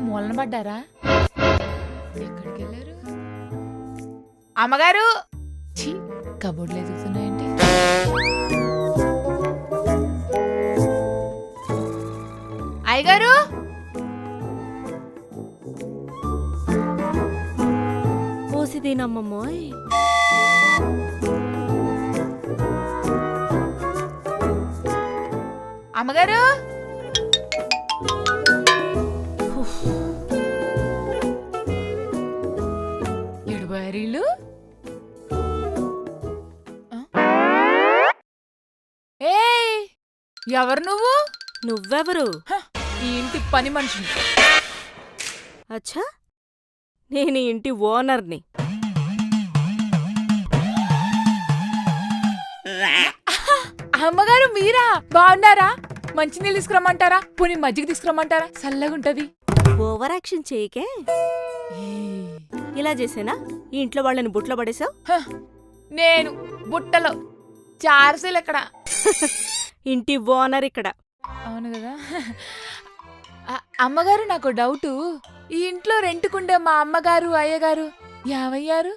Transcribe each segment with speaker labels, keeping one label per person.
Speaker 1: మూలన పడ్డారా? ఎక్కడికి వెళ్ళారు? అమ్మగారు ఛీ, కబోర్డ్లు ఎదుగుతున్నాయంటే. అయ్యగారు
Speaker 2: పోసిదీనమ్మమ్మోయ్.
Speaker 1: అమ్మగారు ఎడుబారీలు. ఏయ్ ఎవరు నువ్వు?
Speaker 2: నువ్వెవరు?
Speaker 1: ఈ ఇంటి పని మనిషిని.
Speaker 2: అచ్చా, నేను ఈ ఇంటి ఓనర్ని.
Speaker 1: అమ్మగారు మీరా? బాగున్నారా? మంచినీళ్ళు తీసుకురమ్మంటారా? పోనీ మజ్జిగ తీసుకురమ్మంటారా? చల్లగుంటది.
Speaker 2: Over action చేయకే. ఇలా చేసేనా ఈ ఇంట్లో వాళ్ళని బుట్లో పడేసావు?
Speaker 1: నేను బుట్టలో చార్సీలు ఎక్కడ?
Speaker 2: ఇంటి ఓనర్ ఇక్కడ.
Speaker 1: అవును కదా. అమ్మగారు నాకు డౌటు, ఈ ఇంట్లో రెంట్కుండే మా అమ్మగారు అయ్యగారు ఏమయ్యారు?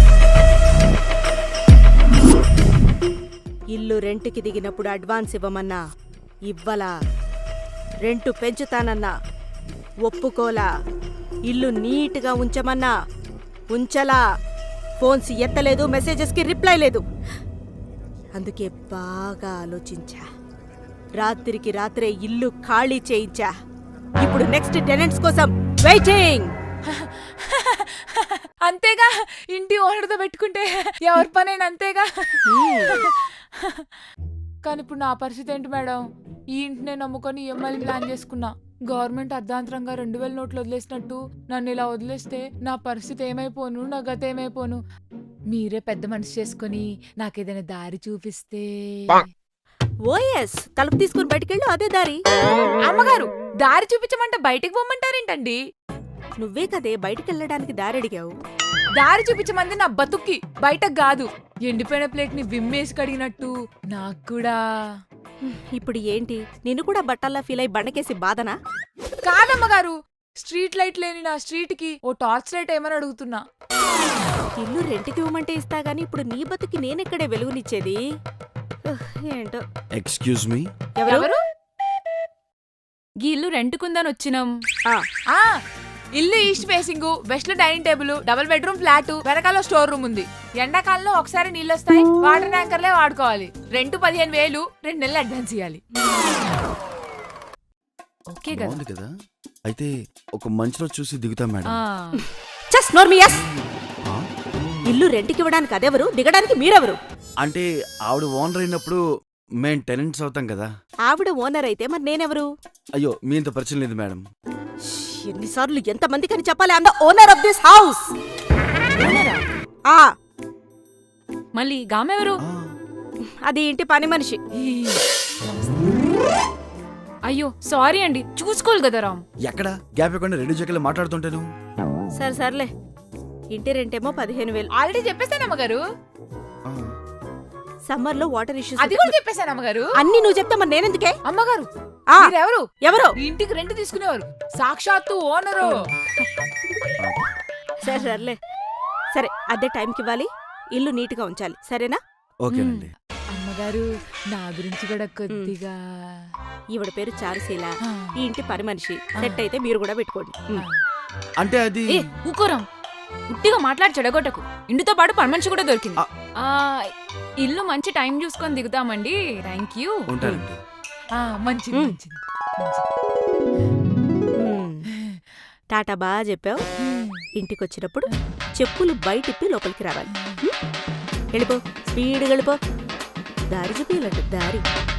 Speaker 2: ఇల్లు రెంట్కి దిగినప్పుడు అడ్వాన్స్ ఇవ్వమన్నా ఇవ్వలా, రెంటు పెంచుతానన్నా ఒప్పుకోలా, ఇల్లు నీట్గా ఉంచమన్నా ఉంచలా, ఫోన్స్ ఎత్తలేదు, మెసేజెస్కి రిప్లై లేదు. అందుకే బాగా ఆలోచించా, రాత్రికి రాత్రే ఇల్లు ఖాళీ చేయించా. ఇప్పుడు నెక్స్ట్ టెనెంట్స్ కోసం వెయిటింగ్.
Speaker 1: అంతేగా, ఇంటి ఓనర్తో పెట్టుకుంటే ఎవరి పనైనా అంతేగా. కానీ ఇప్పుడు నా పరిస్థితి ఏంటి మేడం? ఈ ఇంటినే నమ్ముకొని ఈఎంఐలు ప్లాన్ చేసుకున్నా. గవర్నమెంట్ అర్ధాంతరంగా 2000 నోట్లు వదిలేసినట్టు నన్ను ఇలా వదిలేస్తే నా పరిస్థితి ఏమైపోను, నా గత ఏమైపోను? మీరే పెద్ద మనసు చేసుకుని నాకేదైనా దారి చూపిస్తే.
Speaker 2: ఓఎస్, తలుపు తీసుకుని బయటికెళ్ళు, అదే దారి.
Speaker 1: అమ్మగారు దారి చూపించమంటే బయటికి పోమంటారేంటండి?
Speaker 2: నువ్వే కదే బయటికెళ్ళడానికి దారి అడిగావు.
Speaker 1: దారి చూపించమంది నా బతుక్కి, బయటకు కాదు. ఎండిపోయిన ప్లేట్ ని విమ్మేసి కడిగినట్టు నాకు కూడా.
Speaker 2: ఇప్పుడు ఏంటి, నిన్ను కూడా బట్టల్లా ఫీల్ అయి బండకేసి బాధనా?
Speaker 1: కాదమ్మగారు, స్ట్రీట్ లైట్ లేని నా స్ట్రీట్ కి ఓ టార్చ్ లైట్ ఏమని అడుగుతున్నా.
Speaker 2: ఇల్లు రెంట్కి ఇవ్వమంటే ఇస్తా గానీ ఇప్పుడు నీ బతుకి నేనెక్కడే వెలుగునిచ్చేది? ఏంటో.
Speaker 3: ఎక్స్క్యూజ్ మీ,
Speaker 2: ఎవరు?
Speaker 4: గీ ఇల్లు రెంట్కుందని వచ్చినాం.
Speaker 1: ఇల్లు ఈస్ట్ ఫేసింగ్, వెస్ట్ లో dining table, double bedroom flat, వెనకాల స్టోర్ రూమ్ ఉంది. ఎండాకాలంలో ఒకసారి నీళ్ళు వస్తాయి, వాటర్ ట్యాంకర్లే వాడుకోవాలి. రెంట్ 15,000, 2 నెలలు అడ్వాన్స్ ఇవ్వాలి.
Speaker 4: ఓకే కదా?
Speaker 3: బాగుంది కదా. అయితే ఒక మంచి రోజు చూసి దిగుతాం మేడం.
Speaker 2: జస్ట్ నోర్మియస్. ఇల్లు రెంట్కి ఇవ్వడానికి అదెవరు, దిగడానికి మీరెవరు?
Speaker 3: అంటే ఆవిడ ఓనర్ అయినప్పుడు మేం టెనెంట్స్ అవుతాం కదా.
Speaker 2: ఆవిడ ఓనర్ అయితే మరి నేనెవరు?
Speaker 3: అయ్యో, మీ ఇంత పరిచయం లేదు మేడం.
Speaker 2: ఎన్నిసార్లు ఎంతమందికి అని చెప్పాలి? I am the owner of this house.
Speaker 4: మళ్ళీ గామెవరు?
Speaker 2: అది ఇంటి పని మనిషి.
Speaker 4: అయ్యో సారీ అండి, చూసుకోవాలి కదా రామ్.
Speaker 3: ఎక్కడ గ్యాప్ ఇవ్వకుండా రెండు జగలు మాట్లాడుతుంటాను.
Speaker 2: సరే సర్లే, ఇంటి రెంటేమో 15,000.
Speaker 1: ఆల్రెడీ చెప్పేశాను అమ్మగారు.
Speaker 2: సమ్మర్ లో వాటర్ ఇష్యూస్
Speaker 1: అది కూడా చెప్పేశాను అమ్మగారు.
Speaker 2: అన్ని నువ్వు చెప్తా మరి నేనెందుకే?
Speaker 1: అమ్మగారు ఎవరు?
Speaker 2: ఎవరు?
Speaker 1: ఇంటికి రెంట్ తీసుకునేవారు, సాక్షాత్తు ఓనరు.
Speaker 2: సరే సర్లే, సరే అదే టైంకి ఇవ్వాలి, ఇల్లు నీట్ గా ఉంచాలి, సరేనా?
Speaker 3: ఓకేనండి.
Speaker 1: అమ్మగారు నా గురించి కూడా కొద్దిగా.
Speaker 2: ఈవిడ పేరు చారుశీల, ఈ ఇంటి పని మనిషి. సెట్ అయితే మీరు కూడా పెట్టుకోండి.
Speaker 3: అంటే అది
Speaker 4: ఊకోరాం, ఉట్టిగా మాట్లాడి చెడగొట్టకు. ఇంటితో పాటు పని మనిషి కూడా దొరికింది. ఇల్లు మంచి టైం చూసుకొని దిగుతామండి. Thank you.
Speaker 3: ఉంటానండి.
Speaker 1: మంచిది మంచిది.
Speaker 2: టాటా బాగా చెప్పావు. ఇంటికొచ్చినప్పుడు చెప్పులు బయటిప్పి లోపలికి రావాలి. వెళ్ళిపో, స్పీడ్గా వెళ్ళిపో. దారి చూపియాలంట, దారి.